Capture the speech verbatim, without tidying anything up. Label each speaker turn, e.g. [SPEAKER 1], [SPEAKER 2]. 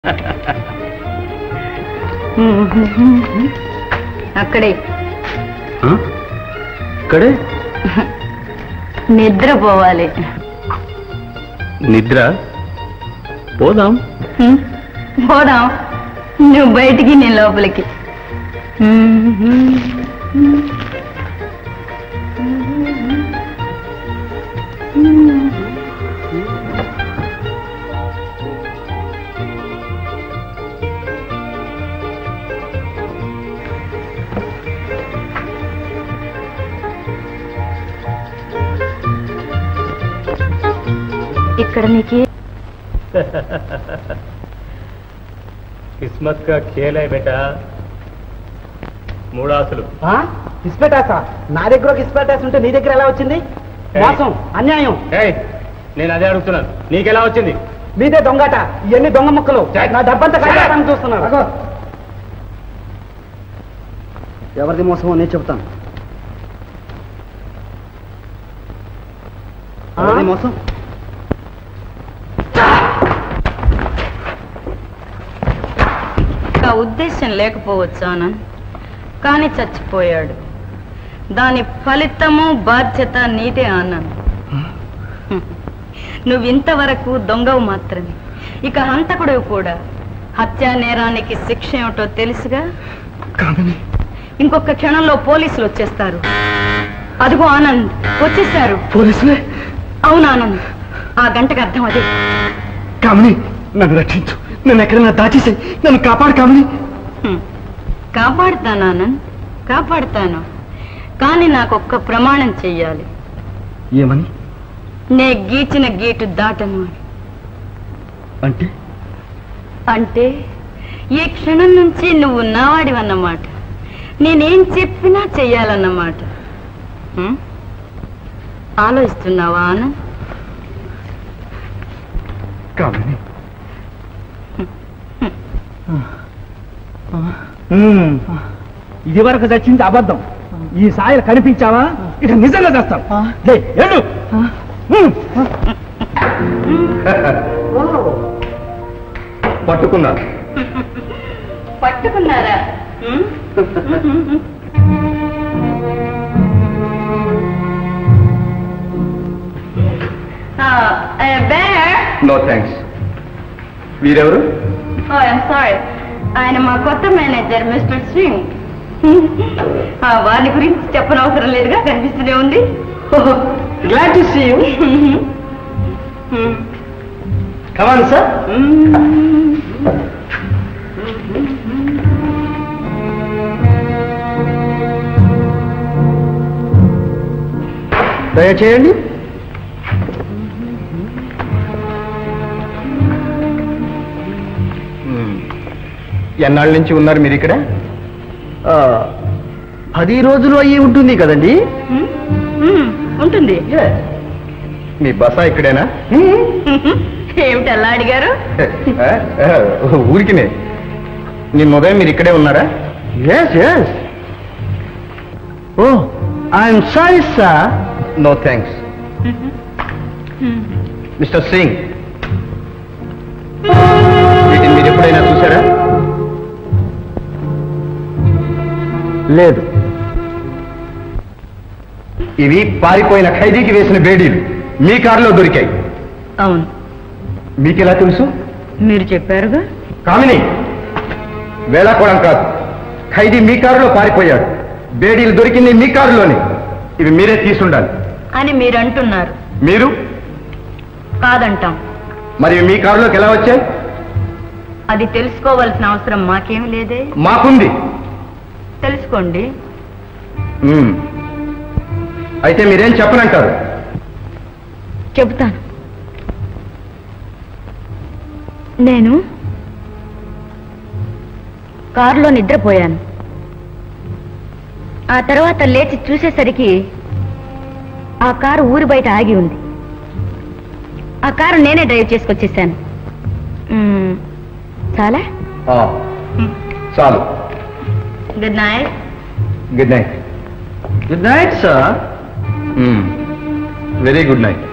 [SPEAKER 1] అక్కడే
[SPEAKER 2] ఇక్కడే
[SPEAKER 1] నిద్రపోవాలి.
[SPEAKER 2] నిద్ర? పోదాం
[SPEAKER 1] పోదాం. నువ్వు బయటికి, నేను లోపలికి. ఇక్కడ నీకు
[SPEAKER 2] किस्मत का खेल है बेटा. మూడాసులు.
[SPEAKER 3] కిస్పెటాసా? నా దగ్గర కిస్పెటాస్ ఉంటే నీ దగ్గర ఎలా వచ్చింది? మోసం, అన్యాయం.
[SPEAKER 2] నేను అదే అడుగుతున్నాను, నీకెలా వచ్చింది?
[SPEAKER 3] మీదే దొంగట. ఇవన్నీ దొంగ ముక్కలు. నా డబ్బంతా కట్టాలని చూస్తున్నాను. ఎవరిది మోసమో నేను చెప్తాను. మోసం
[SPEAKER 1] ఉద్దేశం లేకపోవచ్చు ఆనంద్, కానీ చచ్చిపోయాడు. దాని ఫలితము బాధ్యత నీదే ఆనంద్. నువ్వు ఇంతవరకు దొంగవు మాత్రమే, ఇక హంతకుడు కూడా. హత్యా నేరానికి శిక్ష ఏమిటో తెలుసుగా. ఇంకొక క్షణంలో పోలీసులు వచ్చేస్తారు. అదిగో ఆనంద్, వచ్చేసారు
[SPEAKER 3] పోలీసులే.
[SPEAKER 1] అవును ఆనంద్, ఆ గంటకు అర్థం అదే.
[SPEAKER 3] కామిని, నన్ను రక్షించు. నన్ను ఎక్కడైనా దాచేసి నన్ను కాపాడు కామిని.
[SPEAKER 1] కాపాడుతాను ఆనంద్, కాపాడుతాను. కానీ నాకు ఒక్క ప్రమాణం చెయ్యాలి.
[SPEAKER 3] ఏమని?
[SPEAKER 1] నే గీచిన గీటు దాటను.
[SPEAKER 3] అంటే
[SPEAKER 1] అంటే ఈ క్షణం నుంచి నువ్వు నావాడివన్నమాట. నేనేం చెప్పినా చెయ్యాలన్నమాట. ఆలోచిస్తున్నావా ఆనంద్?
[SPEAKER 3] కామిని, ఇది వరకు చచ్చింది అబద్ధం. ఈ సాయలు కనిపించావా ఇక నిజంగా చేస్తాం.
[SPEAKER 2] పట్టుకున్నా.
[SPEAKER 1] పట్టుకున్నారా?
[SPEAKER 2] No thanks. వీరెవరు?
[SPEAKER 1] సారీ, ఆయన మా కొత్త మేనేజర్ మిస్టర్ సింగ్. వారి గురించి చెప్పనవసరం లేదుగా, కనిపిస్తూనే ఉంది.
[SPEAKER 3] Glad to see you. Come on sir. దయచేయండి.
[SPEAKER 2] ఎన్నాళ్ళ నుంచి ఉన్నారు మీరు ఇక్కడ?
[SPEAKER 3] పది రోజులు అయ్యి ఉంటుంది కదండి.
[SPEAKER 1] ఉంటుంది.
[SPEAKER 2] మీ బస ఇక్కడేనా?
[SPEAKER 1] ఏమిటి అలా అడిగారు?
[SPEAKER 2] ఊరికినే. నిన్న ఉదయం మీరు ఇక్కడే ఉన్నారా?
[SPEAKER 3] Yes yes. Oh, I'm sorry sir.
[SPEAKER 2] No thanks. Mister Singh, వీటిని మీరు ఎప్పుడైనా చూసారా?
[SPEAKER 3] లేదు.
[SPEAKER 2] ఇవి పారిపోయిన ఖైదీకి వేసిన బేడీలు మీ కారులో దొరికాయి.
[SPEAKER 1] అవును.
[SPEAKER 2] మీకెలా తెలుసు?
[SPEAKER 1] మీరు చెప్పారుగా.
[SPEAKER 2] కామిని, వేళాకోవడం కాదు. ఖైదీ మీ కారులో పారిపోయాడు. బేడీలు దొరికింది మీ కారులోనే. ఇవి మీరే తీసుండాలి
[SPEAKER 1] అని మీరు అంటున్నారు.
[SPEAKER 2] మీరు
[SPEAKER 1] కాదంటాం.
[SPEAKER 2] మరి మీ కారులోకి ఎలా వచ్చాయి?
[SPEAKER 1] అది తెలుసుకోవాల్సిన అవసరం మాకేం లేదే.
[SPEAKER 2] మాకుంది.
[SPEAKER 1] తెలుసుకోండి.
[SPEAKER 2] అయితే మీరేం చెప్పనంటారు?
[SPEAKER 1] చెబుతాను. నేను కారులో నిద్రపోయాను. ఆ తర్వాత లేచి చూసేసరికి ఆ కారు ఊరి బయట ఆగి ఉంది. ఆ కారు నేనే డ్రైవ్ చేసుకొచ్చేసాను. చాలా
[SPEAKER 2] చాలు.
[SPEAKER 1] Good night.
[SPEAKER 2] Good night.
[SPEAKER 3] Good night sir.
[SPEAKER 2] Very good night.